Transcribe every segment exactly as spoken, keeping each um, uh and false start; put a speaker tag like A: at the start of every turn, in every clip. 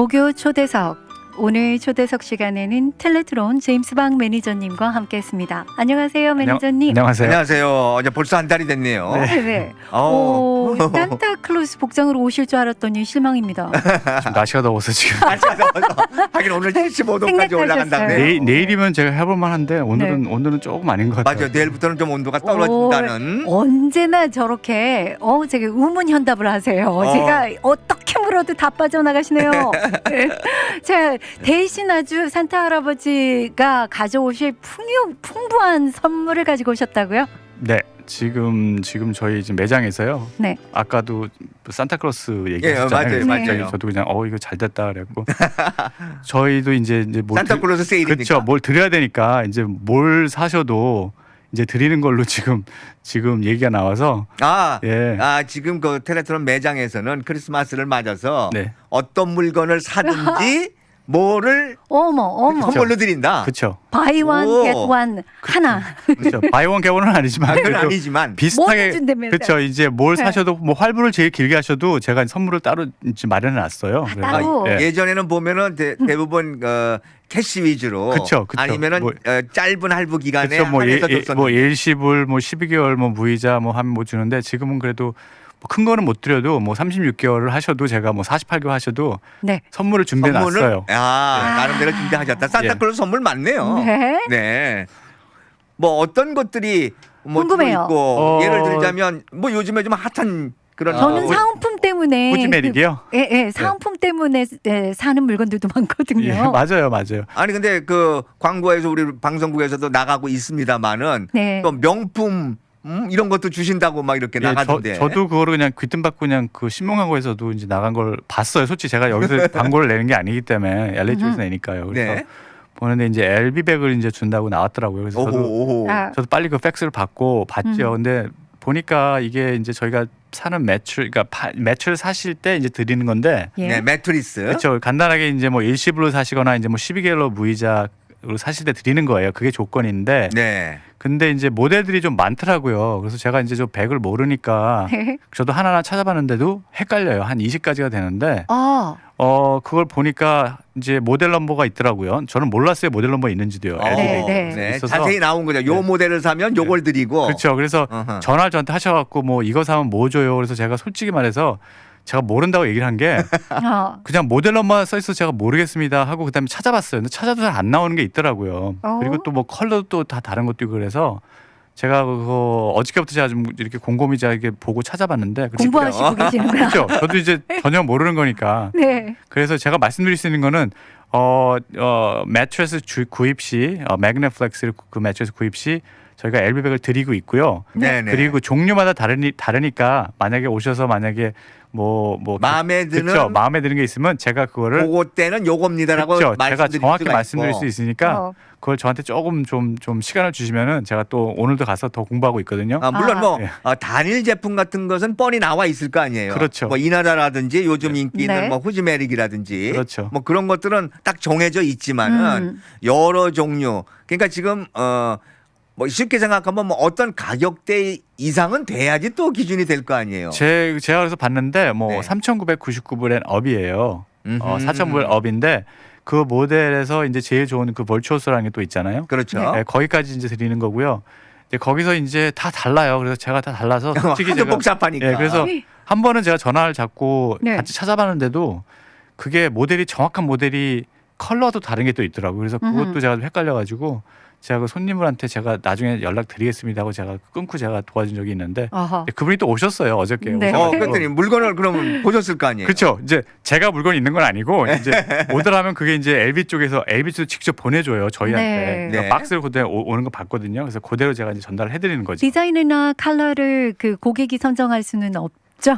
A: 목요 초대석. 오늘 초대석 시간에는 텔레트론 제임스 박 매니저님과 함께했습니다. 안녕하세요, 매니저님.
B: 안녕하세요.
C: 안녕하세요. 이제 벌써 한 달이 됐네요.
A: 네. 네.
C: 어.
A: 오, 산타클로스 복장으로 오실 줄 알았더니 실망입니다.
B: 지금 날씨가 더워서 지금
C: 날씨가 더워서 하긴 오늘 칠십오 도까지 올라간다네요.
B: 내일, 내일이면 제가 해볼 만한데 오늘은
A: 네.
B: 오늘은 조금 아닌 것 같아요.
C: 맞아요. 내일부터는 좀 온도가 떨어진다는.
A: 오, 언제나 저렇게 어 제가 우문현답을 하세요.
C: 어.
A: 제가 어떻게 물어도 다 빠져나가시네요. 네. 자, 대신 아주 산타 할아버지가 가져오실 풍요, 풍부한 선물을 가지고 오셨다고요?
B: 네, 지금 지금 저희 지금 매장에서요.
A: 네.
B: 아까도 산타클로스
C: 예,
B: 얘기했잖아요.
C: 맞아요,
A: 네.
C: 맞아요.
B: 저도 그냥 어 이거 잘 됐다 그랬고 저희도 이제 이제 뭘
C: 산타클로스 세일이니까.
B: 그렇죠. 뭘 드려야 되니까 이제 뭘 사셔도 이제 드리는 걸로 지금 지금 얘기가 나와서
C: 아,
B: 예.
C: 아 지금 그 텔레트론 매장에서는 크리스마스를 맞아서
B: 네.
C: 어떤 물건을 사든지 뭐를
A: 어머 어머
C: 선물로 드린다.
B: 그렇죠.
A: 바이원
C: 오.
A: 겟원 하나.
B: 그렇죠. 바이원 개원은 아니지만
C: 그건
B: 그래도
C: 아니지만
B: 비슷하게
A: 뭐든 준다면서요.
B: 그렇죠. 이제 뭘
A: 네.
B: 사셔도 뭐 활부를 제일 길게 하셔도 제가 선물을 따로 이제 마련해 놨어요.
A: 아,
B: 그래서
A: 따로?
B: 예.
C: 예전에는 보면은 대, 대부분 어, 캐시 위주로
B: 그쵸, 그쵸.
C: 아니면은
B: 뭐-
C: 어, 짧은 할부 기간에
B: 그렇죠. 뭐, 예,
C: 한해서
B: 예,
C: 줬었는데
B: 뭐 일시불 뭐 십이 개월 뭐 무이자 뭐 하면 뭐 주는데 지금은 그래도 뭐 큰 거는 못 드려도 뭐 삼십육 개월을 하셔도 제가 뭐 사십팔 개월 하셔도
A: 네.
B: 선물을 준비해
C: 선물을
B: 놨어요.
C: 아,
A: 예.
C: 나름대로 준비하셨다. 산타클로스 선물 많네요.
A: 네.
C: 네. 뭐 어떤 것들이 뭐
A: 궁금해요.
C: 있고
B: 어.
C: 예를 들자면 뭐 요즘에 좀 핫한 그런
A: 저는
C: 어,
A: 사은품 때문에
B: 호지메릭이요?
A: 그, 예, 예, 사은품 때문에 예, 사는 물건들도 많거든요.
B: 예, 맞아요, 맞아요.
C: 아니 근데 그 광고에서 우리 방송국에서도 나가고 있습니다만은
A: 네.
C: 또 명품 음, 이런 것도 주신다고 막 이렇게
B: 예,
C: 나가던데.
B: 저, 저도 그거를 그냥 귀뜸받고 그냥 그 신문광고에서도 이제 나간 걸 봤어요. 솔직히 제가 여기서 광고를 내는 게 아니기 때문에 엘에이 쪽에서 내니까요. 그래서
C: 네.
B: 보는데 이제 엘비백을 이제 준다고 나왔더라고요. 그래서
C: 오호
B: 저도
C: 오호.
A: 아,
B: 저도 빨리 그 팩스를 받고 봤죠.
A: 음.
B: 근데 보니까 이게 이제 저희가 사는 매출, 그러니까 파, 매출 사실 때 이제 드리는 건데,
A: 예.
C: 네, 매트리스.
B: 그렇죠. 간단하게 이제 뭐 일시불로 사시거나 이제 뭐 십이 개월로 무이자로 사실 때 드리는 거예요. 그게 조건인데,
C: 네.
B: 근데 이제 모델들이 좀 많더라고요. 그래서 제가 이제 저 백을 모르니까
A: 네.
B: 저도 하나하나 찾아봤는데도 헷갈려요. 한 이십 가지가 되는데,
A: 아,
B: 어 그걸 보니까 이제 모델 넘버가 있더라고요. 저는 몰랐어요. 모델 넘버 있는지도요.
C: 어,
A: 네, 네.
C: 네.
B: 있어서.
C: 자세히 나온 거죠. 요
B: 네.
C: 모델을 사면 요걸 드리고.
B: 그렇죠. 그래서
C: 어허.
B: 전화를 저한테 하셔갖고 뭐 이거 사면 뭐 줘요. 그래서 제가 솔직히 말해서 제가 모른다고 얘기를 한 게
A: 아,
B: 그냥 모델 넘버 써 있어 제가 모르겠습니다 하고 그다음에 찾아봤어요. 근데 찾아도 잘 안 나오는 게 있더라고요.
A: 어?
B: 그리고 또 뭐 컬러도 또 다 다른 것도 있고 그래서 제가 그거 어저께부터 제가 좀 이렇게 곰곰이 제가 이렇게 보고 찾아봤는데 그래서
A: 공부하시고 계시는구나.
B: 그렇죠. 저도 이제 전혀 모르는 거니까
A: 네.
B: 그래서 제가 말씀드릴 수 있는 거는 어, 어 매트리스 주, 구입 시 어, 매그네플렉스를 그 매트리스 구입 시 저희가 엘비백을 드리고 있고요.
C: 네네.
B: 그리고 종류마다 다르니 다르니까 만약에 오셔서 만약에 뭐 뭐
C: 마음에 드는
B: 그렇죠. 마음에 드는 게 있으면 제가 그거를
C: 그거 때는 요겁니다라고
B: 그렇죠. 제가
C: 말씀드릴
B: 정확히
C: 수가
B: 말씀드릴
C: 있고.
B: 수 있으니까
A: 어.
B: 그걸 저한테 조금 좀 좀 시간을 주시면은 제가 또 오늘도 가서 더 공부하고 있거든요.
C: 아, 물론
A: 아.
C: 뭐
B: 예.
C: 어, 단일 제품 같은 것은 뻔히 나와 있을 거 아니에요.
B: 그렇죠.
C: 뭐 이나다라든지 요즘 인기 있는
A: 네.
C: 뭐 후지메릭이라든지
B: 그렇죠.
C: 뭐 그런 것들은 딱 정해져 있지만은
A: 음.
C: 여러 종류. 그러니까 지금 어 뭐 쉽게 생각하면 뭐 어떤 가격대 이상은 돼야지 또 기준이 될 거 아니에요.
B: 제 제가 그래서 봤는데 뭐
C: 네.
B: 삼천구백구십구 불엔 업이에요. 어,
C: 음흠.
B: 사천 불 업인데 그 모델에서 이제 제일 좋은 그 벌추어스라는 게 또 있잖아요.
C: 그렇죠.
B: 네, 거기까지 이제 드리는 거고요. 이제 거기서 이제 다 달라요. 그래서 제가 다 달라서 솔직히
C: 하도
B: 제가
C: 복잡하니까.
B: 예, 그래서 한 번은 제가 전화를 잡고
A: 네.
B: 같이 찾아봤는데도 그게 모델이 정확한 모델이 컬러도 다른 게 또 있더라고요. 그래서 그것도
A: 음흠.
B: 제가 좀 헷갈려가지고 제가 그 손님분한테 제가 나중에 연락 드리겠습니다 하고 제가 끊고 제가 도와준 적이 있는데
A: 어허.
B: 그분이 또 오셨어요. 어저께
A: 네.
C: 어,
B: 오셔가지고.
C: 그랬더니 물건을 그러면 보셨을 거 아니에요.
B: 그렇죠. 이제 제가 물건이 있는 건 아니고 이제 오더라면 그게 이제 엘비 쪽에서 엘비 쪽에서 직접 보내줘요 저희한테.
A: 네.
B: 그러니까
C: 네.
B: 박스를 그대로 오- 오는 거 봤거든요. 그래서 그대로 제가 이제 전달을 해드리는 거죠.
A: 디자인이나 컬러를 그 고객이 선정할 수는 없죠.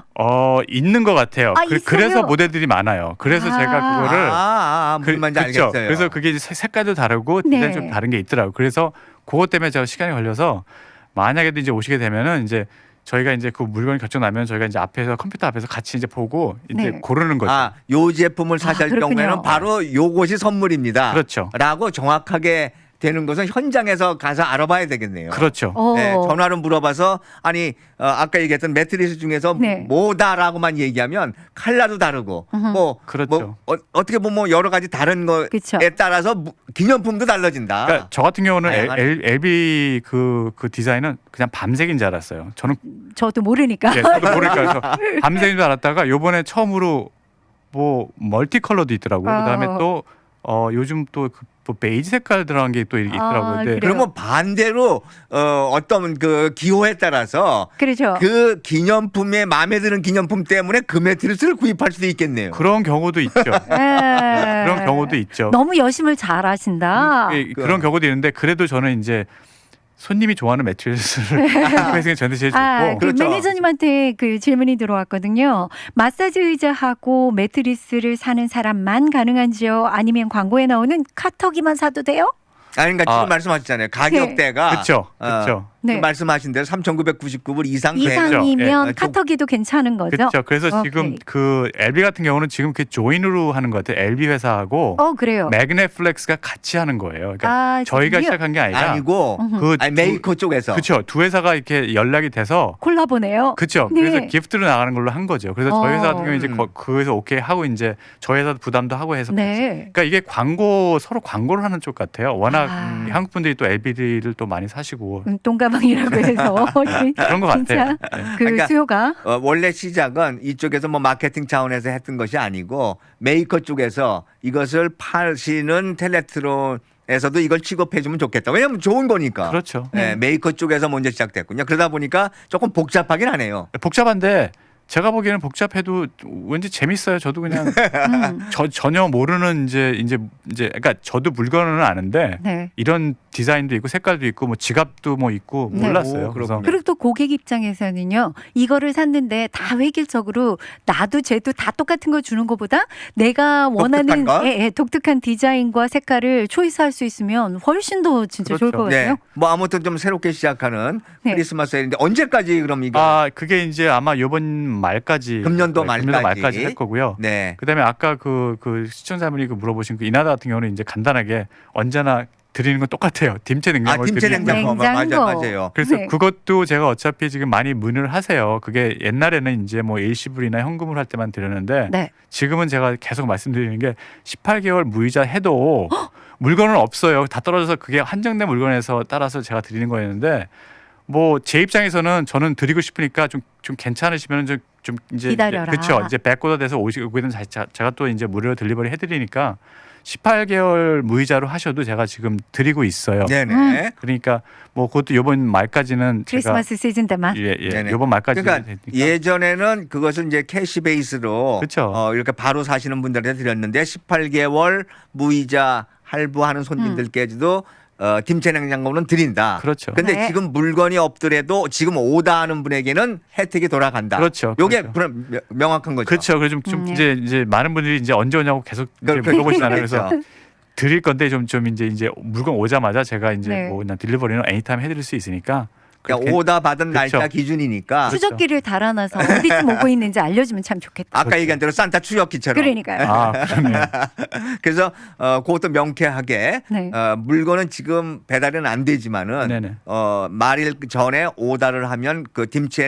B: 어 있는 것 같아요.
A: 아,
B: 그,
A: 있어요?
B: 그래서 모델들이 많아요. 그래서
A: 아.
B: 제가 그거를
C: 아, 아, 아, 무슨 말인지
B: 그렇죠.
C: 알겠어요.
B: 그래서 그게 이제 색- 색깔도 다르고
A: 네.
B: 디자인 좀 다른 게 있더라고요. 그래서 그것 때문에 제가 시간이 걸려서 만약에도 이제 오시게 되면은 이제 저희가 이제 그 물건이 결정 나면 저희가 이제 앞에서 컴퓨터 앞에서 같이 이제 보고 이제
A: 네.
B: 고르는 거죠.
C: 아, 요 제품을 사실
A: 그렇군요.
C: 경우에는 바로 요것이 선물입니다.
B: 그렇죠.
C: 라고 정확하게 되는 것은 현장에서 가서 알아봐야 되겠네요.
B: 그렇죠.
A: 어.
C: 네, 전화로 물어봐서 아니 어, 아까 얘기했던 매트리스 중에서
A: 네.
C: 뭐다라고만 얘기하면 컬러도 다르고
A: 음흠.
C: 뭐,
B: 그렇죠.
C: 뭐 어, 어떻게 보면 뭐 여러 가지 다른 거에
A: 그쵸.
C: 따라서 무- 기념품도 달라진다.
B: 그러니까 저 같은 경우는 엘,
C: 다양한-
B: 엘, 엘비 그, 그 디자인은 그냥 밤색인 줄 알았어요. 저는
A: 저도 모르니까.
B: 예, 저도 모르니까 그래서 밤색인 줄 알았다가 요번에 처음으로 뭐 멀티컬러도 있더라고요.
A: 아.
B: 그다음에 또 어, 요즘 또 그 뭐 베이지 색깔 들어간 게 또 있더라고요.
A: 아,
B: 근데
A: 그래요?
C: 그러면 반대로 어, 어떤 그 기호에 따라서
A: 그렇죠.
C: 그 기념품에 마음에 드는 기념품 때문에 그 매트리스를 구입할 수도 있겠네요.
B: 그런 경우도 있죠.
A: 예.
B: 그런 경우도 있죠.
A: 너무 여심을 잘 하신다.
B: 예, 그런 경우도 있는데 그래도 저는 이제 손님이 좋아하는 매트리스를 구매하는 게 저한테 제일 좋고
A: 아, 그
C: 그렇죠.
A: 매니저님한테 그 질문이 들어왔거든요. 마사지 의자하고 매트리스를 사는 사람만 가능한지요? 아니면 광고에 나오는 카터기만 사도 돼요?
C: 아니 그러니까 지금
B: 아.
C: 말씀하셨잖아요. 가격대가
B: 그렇죠,
C: 어,
B: 그렇죠.
A: 네.
C: 지금 말씀하신 대로 삼천구백구십구 불 이상 되죠.
A: 이상이면
C: 예.
A: 카터기도 괜찮은 거죠?
B: 그렇죠. 그래서
A: 오케이.
B: 지금 그 엘비 같은 경우는 지금 그 조인으로 하는 것 같아요. 엘비 회사하고
A: 어, 그래요.
B: 매그넷플렉스가 같이 하는 거예요. 그러니까
A: 아,
B: 저희가
A: 지금요?
B: 시작한 게 아니라
C: 아니고
A: 음흠.
B: 그
C: 아니, 메이커 쪽에서
B: 그렇죠. 두 회사가 이렇게 연락이 돼서
A: 콜라보네요.
B: 그렇죠.
A: 네.
B: 그래서 기프트로 나가는 걸로 한 거죠. 그래서 저희 회사 같은
A: 어.
B: 경우 이제
C: 음.
B: 거- 그에서 오케이 하고 이제 저희 회사도 부담도 하고 해서 같이.
A: 네.
B: 그러니까 이게 광고 서로 광고를 하는 쪽 같아요. 워낙
A: 아.
B: 한국 분들이 또 엘비디를 또 많이 사시고
A: 음, 똥가방이라고 해서
B: 그런 것
A: 진짜
B: 같아요.
A: 그
C: 그러니까
A: 수요가
C: 어, 원래 시작은 이쪽에서 뭐 마케팅 차원에서 했던 것이 아니고 메이커 쪽에서 이것을 파시는 텔레트론에서도 이걸 취급해 주면 좋겠다. 왜냐하면 좋은 거니까.
B: 그렇죠.
C: 네, 메이커 쪽에서 먼저 시작됐군요. 그러다 보니까 조금 복잡하긴 하네요.
B: 복잡한데 제가 보기에는 복잡해도 왠지 재밌어요. 저도 그냥
A: 음,
B: 저 전혀 모르는 이제 이제 이제 그러니까 저도 물건은 아는데
A: 네.
B: 이런 디자인도 있고 색깔도 있고 뭐 지갑도 뭐 있고
A: 네.
B: 몰랐어요.
C: 오,
B: 그래서
C: 그렇군요.
A: 그리고 또 고객 입장에서는요, 이거를 샀는데 다 획일적으로 나도 쟤도 다 똑같은 거 주는 것보다 내가 원하는
C: 독특한 거?
A: 예, 예, 독특한 디자인과 색깔을 초이스할 수 있으면 훨씬 더 진짜 좋을
B: 그렇죠.
A: 것 같아요.
C: 네. 뭐 아무튼 좀 새롭게 시작하는
A: 네.
C: 크리스마스 세일인데 언제까지 그럼 이거?
B: 아 그게 이제 아마 이번 말까지
C: 금년도
B: 네,
C: 말까지.
B: 금년도 말까지 할 거고요.
C: 네.
B: 그다음에 아까 그, 그 시청자분이 그 물어보신 그 이나다 같은 경우는 이제 간단하게 언제나 드리는 건 똑같아요. dim체
C: 아,
B: 냉장고를
C: 김치
B: 드리는 거예요.
C: 냉장고 맞아
A: 냉장고.
C: 맞아요.
B: 그래서
A: 네.
B: 그것도 제가 어차피 지금 많이 문의를 하세요. 그게 옛날에는 이제 뭐 일시불이나 현금으로 할 때만 드렸는데
A: 네.
B: 지금은 제가 계속 말씀드리는 게 십팔 개월 무이자 해도 물건은 없어요. 다 떨어져서 그게 한정된 물건에서 따라서 제가 드리는 거였는데 뭐 제 입장에서는 저는 드리고 싶으니까 좀 좀 괜찮으시면 좀, 좀 이제
A: 기다려라.
B: 그렇죠. 이제 백고다 돼서 오시게 되면 제가 또 이제 무료로 딜리버리 해드리니까 십팔 개월 무이자로 하셔도 제가 지금 드리고 있어요.
C: 네네.
B: 그러니까 뭐 그것도 이번 말까지는
A: 크리스마스 시즌 때만.
B: 제가 예, 예.
C: 네네.
B: 이번 말까지
C: 그러니까 예전에는 그것을 이제 캐시 베이스로
B: 그쵸.
C: 어, 이렇게 바로 사시는 분들한테 드렸는데 십팔 개월 무이자 할부하는 손님들께도 어, 김치 냉장고는 드린다.
B: 그렇죠.
C: 근데
A: 네.
C: 지금 물건이 없더라도 지금 오다하는 분에게는 혜택이 돌아간다.
B: 그렇죠.
C: 요게
B: 그렇죠.
C: 그럼 명- 명확한 거죠.
B: 그렇죠. 그래서 좀, 좀
A: 음, 예.
B: 이제 이제 많은 분들이 이제 언제 오냐고 계속 이제
C: 그- 그-
B: 물어보시잖아요. 그래서
C: 그렇죠.
B: 드릴 건데 좀 좀 이제 이제 물건 오자마자 제가 이제
A: 네.
B: 뭐 그냥 딜리버리는 애니타임 해드릴 수 있으니까
C: 그러니까
B: 그렇게-
C: 오다 받은
B: 그렇죠.
C: 날짜 기준이니까
B: 그렇죠.
A: 추적기를 달아놔서 어디쯤 오고 있는지 알려주면 참 좋겠다.
C: 아까
B: 그렇죠.
C: 얘기한 대로 산타 추적기처럼.
A: 그러니까요.
B: 아 그러네요.
C: 그래서 어, 그것도 명쾌하게
A: 네.
C: 어, 물건은 지금 배달은 안 되지만은
B: 네네.
C: 어, 말일 전에 오다를 하면 그 김치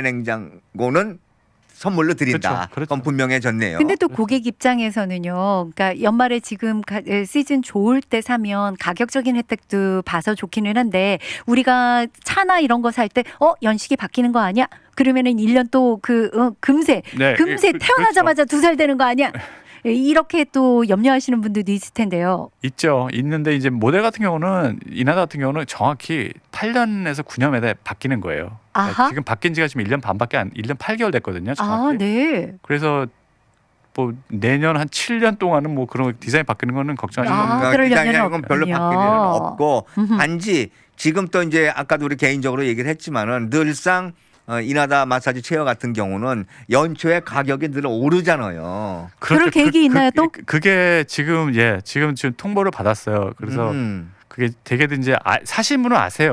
C: 냉장고는 선물로 드린다.
B: 그렇죠, 그렇죠.
C: 그건 분명해졌네요.
A: 근데 또 고객 입장에서는요. 그러니까 연말에 지금 가- 에, 시즌 좋을 때 사면 가격적인 혜택도 봐서 좋기는 한데 우리가 차나 이런 거 살 때 어 연식이 바뀌는 거 아니야? 그러면은 일 년 또 그 어, 금세
B: 네,
A: 금세
B: 그-
A: 태어나자마자 두 살 되는 거 아니야? 예, 이렇게 또 염려하시는 분들도 있을 텐데요.
B: 있죠. 있는데 이제 모델 같은 경우는 이나다 같은 경우는 정확히 팔 년에서 구 년에 바뀌는 거예요. 그러니까
A: 아하.
B: 지금 바뀐 지가 지금 일 년 반밖에 안 일 년 팔 개월 됐거든요.
A: 아,
B: 정확히.
A: 네.
B: 그래서 뭐 내년 한 칠 년 동안은 뭐 그런 디자인 바뀌는 거는 걱정하지
A: 아,
B: 마.
C: 그러니까
A: 그럴
C: 디자인이
A: 염려는
C: 건 별로
A: 없군요.
C: 바뀔 일은 없고
A: 음흠.
C: 단지 지금 또 이제 아까도 우리 개인적으로 얘기를 했지만은 늘상 어, 이나다 마사지 체어 같은 경우는 연초에 가격이 늘 오르잖아요.
A: 그럴 계획이 있나요, 또?
B: 그, 그게 지금 예 지금 지금 통보를 받았어요. 그래서
C: 음.
B: 그게 되게든 이제 아, 사실 분은 아세요.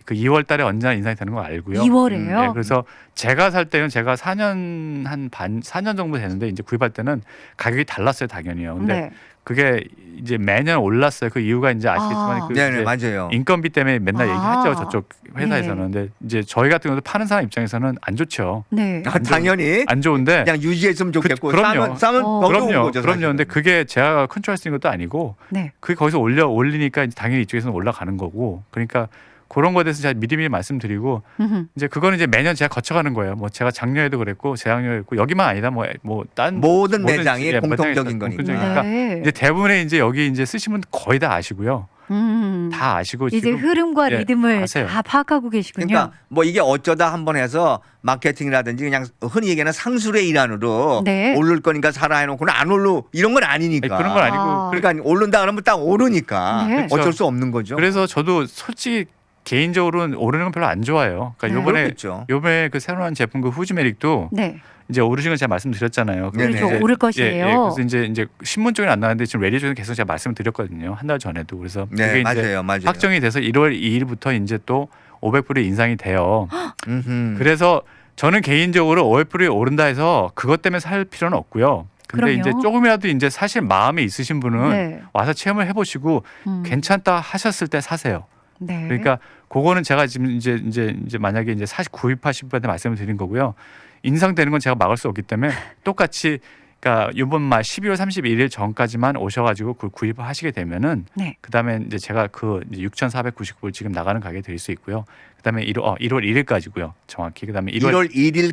B: 그 이월 달에 언제나 인상이 되는 거 알고요.
A: 이월에요.
B: 네, 그래서 제가 살 때는 제가 사 년 한 반 사 년 정도 됐는데 이제 구입할 때는 가격이 달랐어요, 당연히요. 근데
A: 네.
B: 그게 이제 매년 올랐어요. 그 이유가 이제 아시겠지만
A: 아.
B: 그
C: 네네
B: 이제
C: 맞아요.
B: 인건비 때문에 맨날
A: 아.
B: 얘기하죠. 저쪽 회사에서는.
A: 네.
B: 근데 이제 저희 같은 경우도 파는 사람 입장에서는 안 좋죠.
A: 네.
C: 아, 당연히
B: 안 좋은데
C: 그냥 유지했으면 좋겠고
B: 그- 그럼요.
C: 싸면 싸면
A: 어.
C: 더 좋은
B: 그럼요.
C: 거죠.
B: 그럼요.
C: 사실은.
B: 근데 그게 제가 컨트롤할 수 있는 것도 아니고
A: 네.
B: 그게 거기서 올려 올리니까 이제 당연히 이쪽에서는 올라가는 거고. 그러니까 그런 거에 대해서 제가 미리미리 말씀드리고
A: 음흠.
B: 이제 그거는 이제 매년 제가 거쳐가는 거예요. 뭐 제가 작년에도 그랬고 재작년에도 그랬고 여기만 아니다. 뭐뭐딴
C: 모든 매장이
B: 예,
C: 공통적인
B: 매장이
C: 거니까.
B: 공통적이니까
A: 네.
B: 이제 대부분의 이제 여기 이제 쓰신 분 거의 다 아시고요.
A: 음.
B: 다 아시고
A: 이제
B: 지금
A: 흐름과
B: 예,
A: 리듬을
B: 아세요.
A: 다 파악하고 계시군요.
C: 그러니까 뭐 이게 어쩌다 한번 해서 마케팅이라든지 그냥 흔히 얘기하는 상술의 일환으로
A: 네.
C: 오를 거니까 사라 해놓고는 안 오르 이런 건 아니니까.
B: 아니, 그런 건 아니고
A: 아.
C: 그러니까 오른다 그러면 딱 오르니까
A: 네.
C: 어쩔 수 없는 거죠.
B: 그래서 저도 솔직히 개인적으로는 오르는 건 별로 안 좋아해요. 그러니까
A: 네.
B: 요번에
C: 그렇겠죠.
B: 요번에 그 새로 나온 제품 그 후지메릭도
A: 네.
B: 이제 오르신 걸 제가 말씀드렸잖아요.
C: 네네.
A: 그렇죠.
C: 이제-
A: 오를
B: 예,
A: 것이에요.
B: 예, 그래서 이제 이제 신문 쪽에 안 나왔는데 지금 레디 쪽에 계속 제가 말씀을 드렸거든요. 한 달 전에도. 그래서
C: 네
B: 그게 이제
C: 맞아요, 맞아요.
B: 확정이 돼서 일월 이일부터 이제 또 오백 불이 인상이 돼요.
C: 음흠.
B: 그래서 저는 개인적으로 오백 불이 오른다 해서 그것 때문에 살 필요는 없고요. 근데
A: 그럼요.
B: 이제 조금이라도 이제 사실 마음이 있으신 분은
A: 네.
B: 와서 체험을 해보시고
A: 음.
B: 괜찮다 하셨을 때 사세요.
A: 네.
B: 그러니까 그거는 제가 지금 이제 이제 이제 만약에 이제 사실 구입하신 분한테 말씀을 드린 거고요. 인상되는 건 제가 막을 수 없기 때문에 똑같이 그러니까 이번 말 십이월 삼십일일 전까지만 오셔가지고 그걸 구입을 하시게 되면은
A: 네.
B: 그다음에 이제 제가 그 이제 육천사백구십구 불 지금 나가는 가격에 드릴 수 있고요. 그다음에 일월 어, 일월 일일까지고요. 정확히 그다음에 일월
C: 일월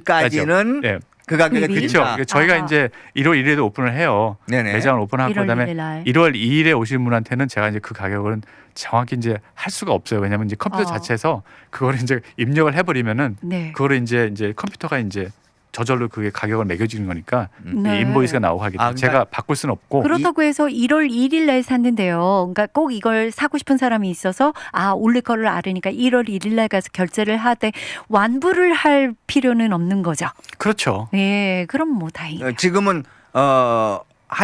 C: 일일까지는
B: 예,
C: 그 가격에
A: 구입이?
B: 그렇죠.
C: 드린다.
B: 저희가
A: 아하.
B: 이제 일월 일일에도 오픈을 해요.
C: 네네.
B: 매장을 오픈하고
A: 일월
B: 그다음에
A: 일일 날.
B: 일월 이일에 오신 분한테는 제가 이제 그 가격은 정확히 이제 할 수가 없어요. 왜냐하면 이제 컴퓨터
A: 어.
B: 자체에서 그거를 이제 입력을 해버리면은
A: 네.
B: 그거를 이제 이제 컴퓨터가 이제 저절로 그게 가격을 매겨주는 거니까
A: 네.
B: 이 인보이스가 나오고 하기 때문에
C: 아, 그러니까-
B: 제가 바꿀 수는 없고
A: 그렇다고 해서 일월 일일 날 샀는데요. 그러니까 꼭 이걸 사고 싶은 사람이 있어서 아 올릴 거를 알으니까 일월 일일 날 가서 결제를 하되 완부를 할 필요는 없는 거죠.
B: 그렇죠.
A: 예, 그럼 뭐 다행이에요.
C: 어, 지금은 어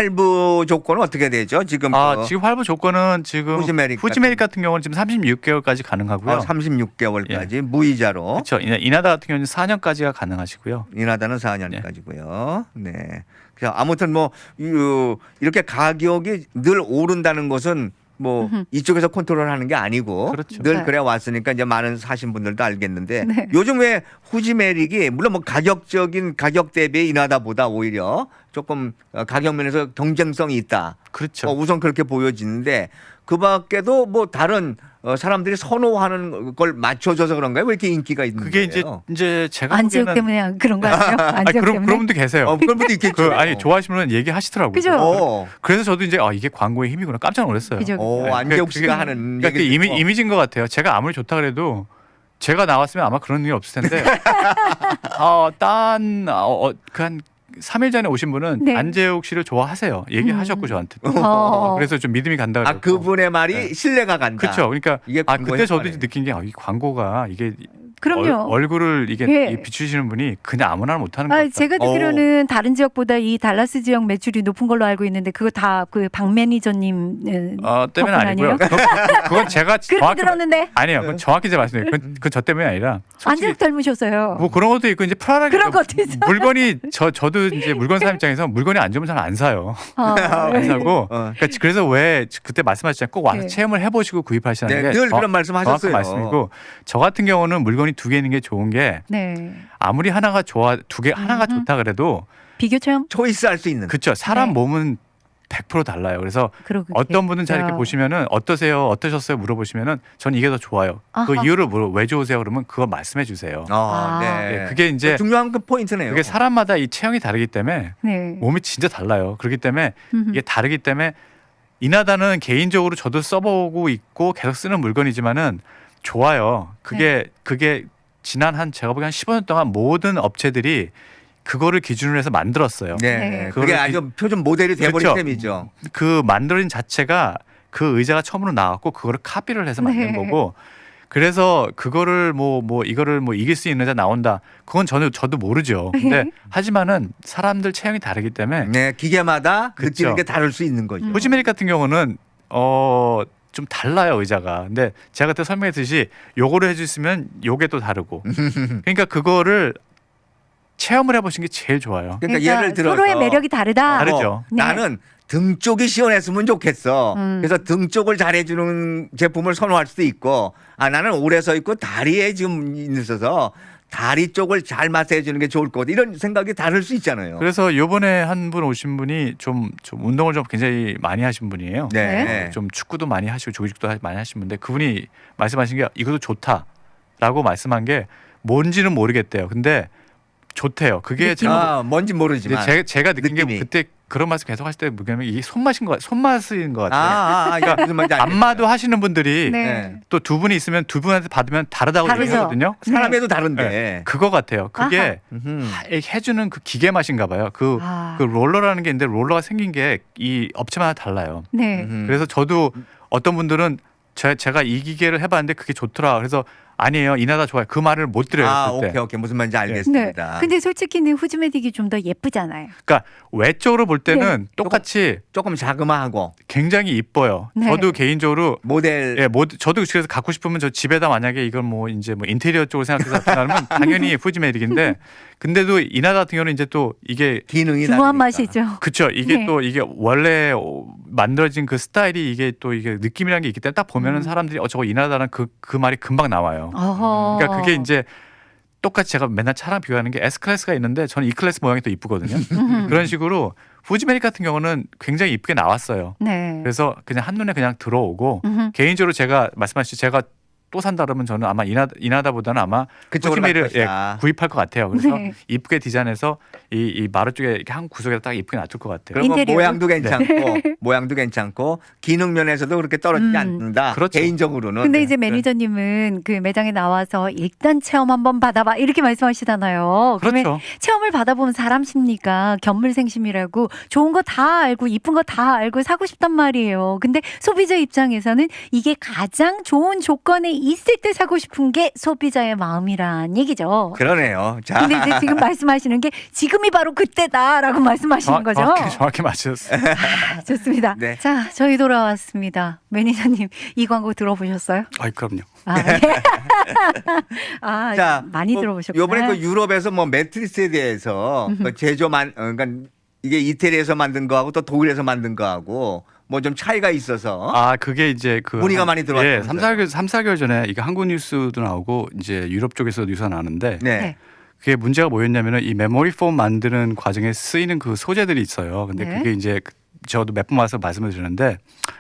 C: 할부 조건은 어떻게 되죠? 지금
B: 아
C: 그
B: 지금 할부 조건은 지금
C: 후지메릭
B: 후지메릭 같은 경우는 지금 삼십육 개월까지 가능하고요.
C: 어, 삼십육 개월까지 무이자로
B: 그렇죠. 이나- 이나다 같은 경우는 사 년까지가 가능하시고요.
C: 인하다는 사 년까지고요. 네. 그래서 아무튼 뭐 이- 이렇게 가격이 늘 오른다는 것은 뭐
A: 음흠.
C: 이쪽에서 컨트롤하는 게 아니고
B: 그렇죠.
C: 늘
A: 네.
C: 그래 왔으니까 이제 많은 사신 분들도 알겠는데
A: 네.
C: 요즘 왜 후지메릭이 물론 뭐 가격적인 가격 대비 인하다보다 오히려 조금 어, 가격 면에서 경쟁성이 있다.
B: 그렇죠.
C: 어, 우선 그렇게 보여지는데 그 밖에도 뭐 다른 어, 사람들이 선호하는 걸 맞춰줘서 그런가요? 왜 이렇게 인기가 있는
B: 그게 이제
C: 거예요?
B: 이제 제가
A: 안지욱
B: 보기에는
A: 때문에 그런 거 아니에요?
B: 아니,
A: 안지욱
B: 그런
A: 때문에.
B: 그런 분도 계세요.
C: 어, 그런 분도 있겠죠.
B: 그 아니 좋아하시면 얘기하시더라고요.
A: 그죠?
C: 어,
B: 그래서 저도 이제 아 이게 광고의 힘이구나 깜짝 놀랐어요.
A: 그죠.
C: 어,
B: 네,
C: 안재욱
B: 그게-
C: 씨가 하는
B: 그러니까 그
C: 얘기를
B: 이미,
C: 듣고.
B: 이미지인 것 같아요. 제가 아무리 좋다 그래도 제가 나왔으면 아마 그런 일이 없을 텐데 어딴그한 삼 일 전에 오신 분은
A: 네.
B: 안재욱 씨를 좋아하세요. 얘기하셨고
A: 음.
B: 저한테.
A: 어.
B: 그래서 좀 믿음이 간다.
C: 아 그분의 말이
B: 네.
C: 신뢰가 간다.
B: 그렇죠. 그러니까
C: 이게
B: 아
C: 광고의
B: 그때 저도
C: 효과네.
B: 느낀 게 아, 이 광고가 이게
A: 그럼요.
B: 얼, 얼굴을 이게
A: 예.
B: 비추시는 분이 그냥 아무나 못하는 것
A: 아,
B: 같다.
A: 제가 듣기로는 다른 지역보다 이 달라스 지역 매출이 높은 걸로 알고 있는데 그거 다 그 박 매니저님 예,
B: 어, 때문에
A: 덕분
B: 아니고요.
A: 아니에요?
B: 그건, 그건 제가
A: 그렇게
B: 정확히
A: 들었는데
B: 아니에요. 그건 정확히 제가 말씀드려요. 그건, 그건 저 때문이 아니라 솔직히
A: 안지욱 닮으셨어요.
B: 뭐 그런 것도 있고 이제 편하게
A: 그런 것도 있어요.
B: 물건이 저 저도 이제 물건 사람 입장에서 물건이 안 좋으면 잘 안 사요.
A: 어,
B: 안 사고
C: 어.
B: 그러니까 그래서 왜 그때 말씀하셨잖아요. 꼭 와서
A: 네.
B: 체험을 해보시고 구입하시는
C: 네,
B: 게
C: 늘
B: 정-
C: 그런 말씀하셨어요.
B: 정확한 말씀이고 저 같은 경우는 물건이 두 개 있는 게 좋은 게
A: 네.
B: 아무리 하나가 좋아 두 개 하나가
A: 음흠.
B: 좋다 그래도
A: 비교 체험
C: 초이스 할 수 있는.
B: 그쵸 사람
A: 네.
B: 몸은 백 퍼센트 달라요. 그래서
A: 그러고
B: 어떤 분은 잘 이렇게
A: 계시죠.
B: 보시면은 어떠세요, 어떠셨어요 물어보시면은 전 이게 더 좋아요. 그
A: 아하.
B: 이유를 물어 왜 좋으세요 그러면 그거 말씀해 주세요.
C: 아,
A: 아.
C: 네.
B: 네, 그게 이제
C: 중요한 그 포인트네요.
B: 그게 사람마다 이 체형이 다르기 때문에
A: 네.
B: 몸이 진짜 달라요. 그렇기 때문에
A: 음흠.
B: 이게 다르기 때문에 이나다는 개인적으로 저도 써보고 있고 계속 쓰는 물건이지만은 좋아요. 그게
A: 네.
B: 그게 지난 한 제가 보기엔 한 십오 년 동안 모든 업체들이 그거를 기준으로 해서 만들었어요.
C: 네,
A: 네.
C: 그게
B: 그거를
C: 아주 표준 모델이 돼버린
B: 그렇죠.
C: 셈이죠.
B: 그 만들어진 자체가 그 의자가 처음으로 나왔고 그거를 카피를 해서 만든
A: 네.
B: 거고 그래서 그거를 뭐 뭐 이거를 뭐 이길 수 있는 의자 나온다. 그건 저는 저도 모르죠. 근데 하지만은 사람들 체형이 다르기 때문에
C: 네, 기계마다
B: 그렇죠.
C: 느끼는 게 다를 수 있는 거죠.
A: 음.
B: 호지메릭 같은 경우는 어 좀 달라요 의자가. 근데 제가 그때 설명했듯이 요거를 해주시면 요게 또 다르고. 그러니까 그거를 체험을 해보신 게 제일 좋아요.
C: 그러니까, 예를 들어서
A: 서로의 매력이 다르다.
B: 다르죠.
C: 어,
A: 네.
C: 나는 등 쪽이 시원했으면 좋겠어.
A: 음.
C: 그래서 등 쪽을 잘해주는 제품을 선호할 수도 있고, 아 나는 오래 서 있고 다리에 지금 있어서 다리 쪽을 잘 마사해 주는 게 좋을 것 같아. 이런 생각이 다를 수 있잖아요.
B: 그래서 요번에 한 분 오신 분이 좀, 좀 운동을 좀 굉장히 많이 하신 분이에요.
C: 네.
B: 좀 축구도 많이 하시고 조직도 하- 많이 하신 분인데 그분이 말씀하신 게 이것도 좋다라고 말씀한 게 뭔지는 모르겠대요. 근데 좋대요. 그게
A: 느낌이-
B: 제가
C: 아, 뭔지
B: 이제
C: 모르지만.
B: 제, 제가 느낀
C: 느낌이.
B: 게 그때 그런 말씀 계속 하실 때 뭐냐면 이게 손맛인 것 같, 손맛인 것
C: 아,
B: 같아요.
C: 아, 아, 이게 무슨 말인지 알겠어요.
B: 안마도 하시는 분들이
A: 네.
C: 네.
B: 또 두 분이 있으면 두 분한테 받으면 다르다고
A: 다르죠.
B: 얘기하거든요.
C: 사람에도 다른데.
B: 네. 그거 같아요. 그게
C: 음흠.
B: 하- 해주는 그 기계 맛인가 봐요. 그,
A: 아.
B: 그 롤러라는 게 있는데 롤러가 생긴 게 이 업체마다 달라요.
A: 네.
C: 음흠.
B: 그래서 저도 어떤 분들은 제, 제가 이 기계를 해봤는데 그게 좋더라. 그래서 아니에요. 이나다 좋아요. 그 말을 못 드려요.
C: 아,
B: 그때.
C: 오케이, 오케이. 무슨 말인지
A: 네.
C: 알겠습니다.
A: 근데 솔직히는 후즈메딕이 좀 더 예쁘잖아요.
B: 그러니까 외적으로 볼 때는
A: 네.
B: 똑같이
C: 조금 자그마하고
B: 굉장히 이뻐요.
A: 네.
B: 저도 개인적으로
C: 모델
B: 예, 뭐 저도 그래서 갖고 싶으면 저 집에다 만약에 이걸 뭐 이제 뭐 인테리어 쪽으로 생각해서 하면 당연히 후지메릭인데 근데도 이나다 같은 경우는 이제 또 이게
C: 기능이
A: 중후한
C: 다르니까.
A: 맛이죠.
B: 그쵸 이게
A: 네.
B: 또 이게 원래 만들어진 그 스타일이 이게 또 이게 느낌이라는 게 있기 때문에 딱 보면은
A: 음.
B: 사람들이 어 저거 이나다는 그 그 말이 금방 나와요.
A: 어허.
B: 그러니까 그게 이제 똑같이 제가 맨날 차랑 비교하는 게 S 클래스가 있는데 저는 E 클래스 모양이 또 이쁘거든요.
A: 음.
B: 그런 식으로 후지메릭 같은 경우는 굉장히 이쁘게 나왔어요.
A: 네.
B: 그래서 그냥 한눈에 그냥 들어오고
A: 음흠.
B: 개인적으로 제가 말씀하신 제가 또 산다 그러면 저는 아마 이나, 이나다보다는 아마
C: 그쪽으로 갈
B: 후지메릭을 예,
C: 것이다.
B: 구입할 것 같아요. 그래서
A: 네.
B: 이쁘게 디자인해서 이, 이 마루 쪽에 이렇게 한 구석에다 딱 이쁘게 놔둘 것 같아요.
C: 그러면
A: 인테리어.
C: 모양도 괜찮고 모양도 괜찮고 기능 면에서도 그렇게 떨어지지
A: 음.
C: 않는다.
B: 그렇죠.
C: 개인적으로는.
A: 근데
C: 네.
A: 이제 매니저님은 그 매장에 나와서 일단 체험 한번 받아봐 이렇게 말씀하시잖아요. 그러면
B: 그렇죠.
A: 체험을 받아보면 사람 심리가 견물생심이라고 좋은 거 다 알고 이쁜 거 다 알고 사고 싶단 말이에요. 근데 소비자 입장에서는 이게 가장 좋은 조건에 있을 때 사고 싶은 게 소비자의 마음이란 얘기죠.
C: 그러네요. 자,
A: 근데 이제 지금 말씀하시는 게 지금이 바로 그때다라고 말씀하시는
B: 정확-
A: 거죠.
B: 정확히, 정확히 맞으셨어요.
A: 아, 좋습니다.
C: 네.
A: 자, 저희 돌아왔습니다. 매니저님 이 광고 들어보셨어요?
B: 아이 그럼요.
A: 아, 예. 아
C: 자,
A: 많이
C: 뭐
A: 들어보셨구나.
C: 요번에 그 유럽에서 뭐 매트리스에 대해서 그 제조만 어, 그러니까 이게 이태리에서 만든 거하고 또 독일에서 만든 거하고 뭐 좀 차이가 있어서
B: 아 그게 이제 그
C: 문의가
B: 한-
C: 많이 들어왔다면서요?
B: 예, 삼, 사 개월 삼, 사 개월 전에 이게 한국 뉴스도 나오고 이제 유럽 쪽에서 뉴스가 나는데
C: 네.
A: 네.
B: 그게 문제가 뭐였냐면은 이 메모리 폼 만드는 과정에 쓰이는 그 소재들이 있어요. 근데
A: 네.
B: 그게 이제 그- 저도 몇 번 와서 말씀을 드렸는데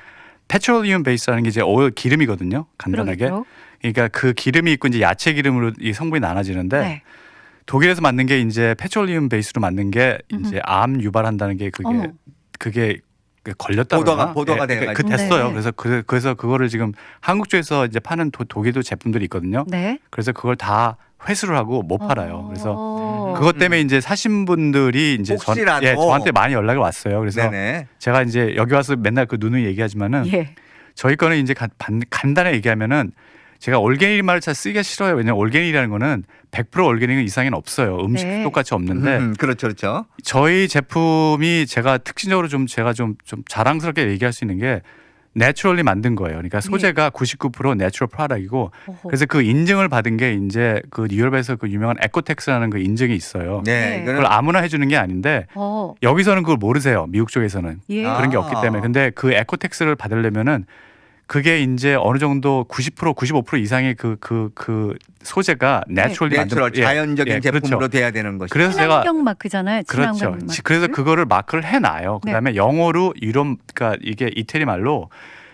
B: 페트롤리움 베이스라는 게 이제 오일 기름이거든요. 간단하게.
A: 그러겠죠.
B: 그러니까 그 기름이 있고 이제 야채 기름으로 이 성분이 나눠지는데
A: 네.
B: 독일에서 만든 게 이제 페트롤리움 베이스로 만든 게
A: 음흠.
B: 이제 암 유발한다는 게 그게
A: 어머.
B: 그게 그 걸렸다
C: 보도가-
B: 그러나?
C: 보도가
B: 예, 그- 그
C: 돼가지고.
B: 됐어요.
A: 네.
B: 그래서 그, 그래서 그거를 지금 한국 쪽에서 이제 파는 도, 독일도 제품들이 있거든요.
A: 네.
B: 그래서 그걸 다 회수를 하고 못 팔아요. 그래서
A: 어.
B: 그것 때문에 이제 사신 분들이 이제 전,
C: 혹시라도.
B: 예, 저한테 많이 연락이 왔어요. 그래서
C: 네네.
B: 제가 이제 여기 와서 맨날 그 누누이 얘기하지만은
A: 예.
B: 저희 거는 이제 간, 반- 간단하게 얘기하면은 제가 올게닉 말을 잘 쓰기가 싫어요. 왜냐면 올게닉이라는 거는 백 퍼센트 올게닉은 이상은 없어요. 음식
A: 네.
B: 똑같이 없는데
C: 음, 그렇죠, 그렇죠.
B: 저희 제품이 제가 특징적으로 좀 제가 좀, 좀 자랑스럽게 얘기할 수 있는 게 내추럴리 만든 거예요. 그러니까 소재가 구십구 퍼센트 내추럴 프로덕이고
A: 어허.
B: 그래서 그 인증을 받은 게 이제 그 유럽에서 그 유명한 에코텍스라는 그 인증이 있어요.
C: 네,
A: 네.
C: 이거는
B: 그걸 아무나 해주는 게 아닌데
A: 어.
B: 여기서는 그걸 모르세요. 미국 쪽에서는
A: 예.
C: 아.
B: 그런 게 없기 때문에. 근데 그 에코텍스를 받으려면은 그게 이제 어느 정도 구십 퍼센트, 구십오 퍼센트 이상의 그 그 그 소재가 내추럴리 만든
C: 내추럴
B: 예,
C: 자연적인
B: 예,
C: 제품으로
B: 그렇죠.
C: 돼야 되는 것이.
B: 그래서 제가
A: 친환경 마크잖아요.
B: 그렇죠.
A: 친환경 마크.
B: 그래서 그거를 마크를 해놔요.
A: 네.
B: 그다음에 영어로 유럽 그러니까 이게 이태리 말로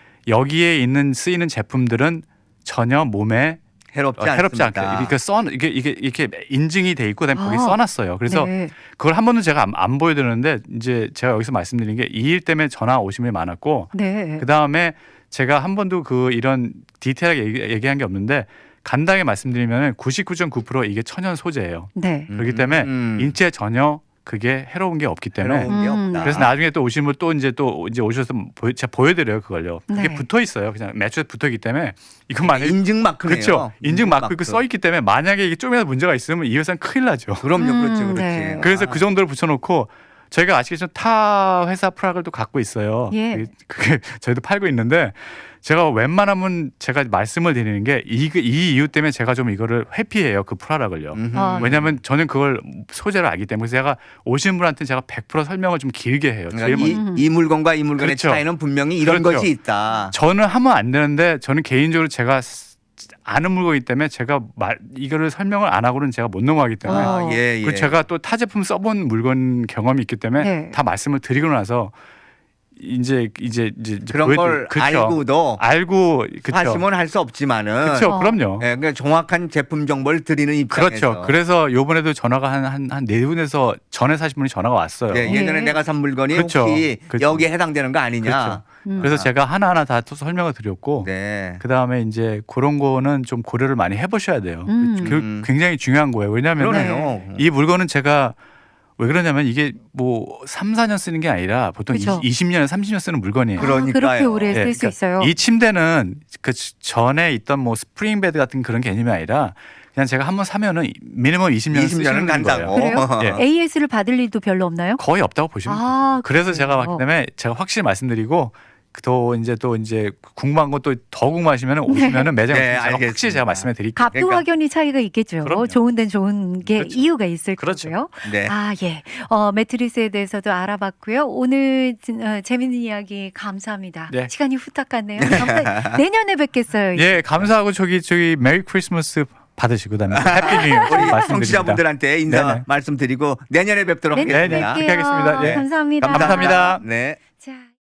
B: 여기에 있는 쓰이는 제품들은 전혀 몸에
C: 해롭지
B: 어,
C: 않습니다.
B: 해롭지 않게 이렇게 써 이게 이게 이렇게 인증이 돼 있고 그다음에 거기
A: 아.
B: 써놨어요. 그래서
A: 네.
B: 그걸 한 번도 제가 안, 안 보여드렸는데 이제 제가 여기서 말씀드린 게 이 일 때문에 전화 오신 분이 많았고
A: 네.
B: 그 다음에 제가 한 번도 그 이런 디테일하게 얘기, 얘기한 게 없는데 간단하게 말씀드리면 구십구 점 구 퍼센트 이게 천연 소재예요.
A: 네.
B: 그렇기 때문에
C: 음.
B: 인체에 전혀 그게 해로운 게 없기 때문에
C: 해로운 게
A: 음.
C: 없다.
B: 그래서 나중에 또 오시면 또 이제 또 이제 오셔서 보여, 제가 보여드려요 그걸요. 그게
A: 네.
B: 붙어 있어요. 그냥 매출에 붙어 있기 때문에 이건 만약에
C: 인증 마크네요.
B: 그렇죠. 인증 마크 있고 써 있기 때문에 만약에 이게 좀이라도 문제가 있으면 이 회사는 큰일 나죠.
C: 그럼요, 그렇지,
A: 음,
C: 그렇지.
A: 네.
B: 그래서
C: 아.
B: 그 정도를 붙여놓고 저희가 아시겠지만 타 회사 프락을 또 갖고 있어요.
A: 예.
B: 그게- 그게 저희도 팔고 있는데 제가 웬만하면 제가 말씀을 드리는 게 이 이 이유 때문에 제가 좀 이거를 회피해요. 그 프라락을요.
C: 음흠.
A: 아,
B: 왜냐하면 저는 그걸 소재를 알기 때문에 제가 오신 분한테 제가 백 퍼센트 설명을 좀 길게 해요.
C: 그러니까
B: 제일
C: 이,
B: 먼저.
A: 음.
C: 이 물건과 이 물건의
B: 그렇죠.
C: 차이는 분명히 이런
B: 그렇죠.
C: 것이 있다.
B: 저는 하면 안 되는데 저는 개인적으로 제가 아는 물건이기 때문에 제가 말 이거를 설명을 안 하고는 제가 못 넘어가기 때문에
A: 어.
C: 아, 예, 예.
B: 그리고 제가 또 타 제품 써본 물건 경험이 있기 때문에
A: 네.
B: 다 말씀을 드리고 나서 이제 이제 이제
C: 그런
B: 보여드리-
C: 걸
B: 그쵸.
C: 알고도
B: 알고 그렇죠.
C: 하시면 할 수 없지만은
B: 그렇죠.
A: 어.
B: 그럼요.
C: 예, 그러니까 정확한 제품 정보를 드리는 입장에서
B: 그렇죠. 그래서 요번에도 전화가 한 한 한 네 분에서 전에 사신 분이 전화가 왔어요.
C: 예, 예전에
A: 예.
C: 내가 산 물건이
B: 그렇죠.
C: 혹시
B: 그렇죠.
C: 여기에 해당되는 거 아니냐.
B: 그렇죠.
A: 음.
B: 그래서 제가 하나하나 다 또 설명을 드렸고
C: 네.
B: 그 다음에 이제 그런 거는 좀 고려를 많이 해보셔야 돼요.
A: 음.
B: 그
C: 음.
B: 굉장히 중요한 거예요. 왜냐하면
C: 그러네요.
B: 이 물건은 제가 왜 그러냐면 이게 뭐 삼, 사 년 쓰는 게 아니라 보통
A: 그렇죠.
B: 이십 년, 삼십 년 쓰는 물건이에요.
C: 그러-
A: 아, 그렇게
C: 그러니까요.
A: 오래 쓸
B: 예,
A: 수
B: 그러니까
A: 있어요.
B: 이 침대는 그 전에 있던 뭐 스프링 베드 같은 그런 개념이 아니라 그냥 제가 한번 사면은 미니멈 이십 년
C: 이십 년은
B: 쓰시는
C: 간다고.
B: 거예요.
A: 그래요?
B: 예.
A: 에이에스를 받을 일도 별로 없나요?
B: 거의 없다고 보시면 돼요.
A: 아,
B: 그래서 제가
A: 그래요?
B: 봤기 때문에 제가 확실히 말씀드리고 또 이제 또 이제 궁금한 거 또 더 궁금하시면 오시면은 매장에
C: 네,
B: 제가 확실히
C: 알겠습니다.
B: 제가 말씀해 드릴게요.
A: 값도
C: 그러니까-
A: 확연히 차이가 있겠죠.
B: 그럼요.
A: 좋은 데는 좋은 게
B: 그렇죠.
A: 이유가 있을
B: 그렇죠.
A: 거고요.
C: 네.
A: 아, 예. 어, 매트리스에 대해서도 알아봤고요. 오늘 진- 어, 재밌는 이야기 감사합니다.
B: 네.
A: 시간이 후딱 갔네요. 감사- 내년에 뵙겠어요.
B: 예, 감사하고 저기 저기 메리 크리스마스 받으시고 그다음에 해피 뉴 이어
C: 우리
B: 말씀드립니다.
C: 청취자분들한테 인사
B: 네네.
C: 말씀드리고 내년에 뵙도록
A: 내년에
B: 네, 네.
C: 하겠습니다.
A: 뵐게요.
B: 그렇게 하겠습니다. 예.
A: 감사합니다.
B: 감사합니다.
C: 네.
A: 자.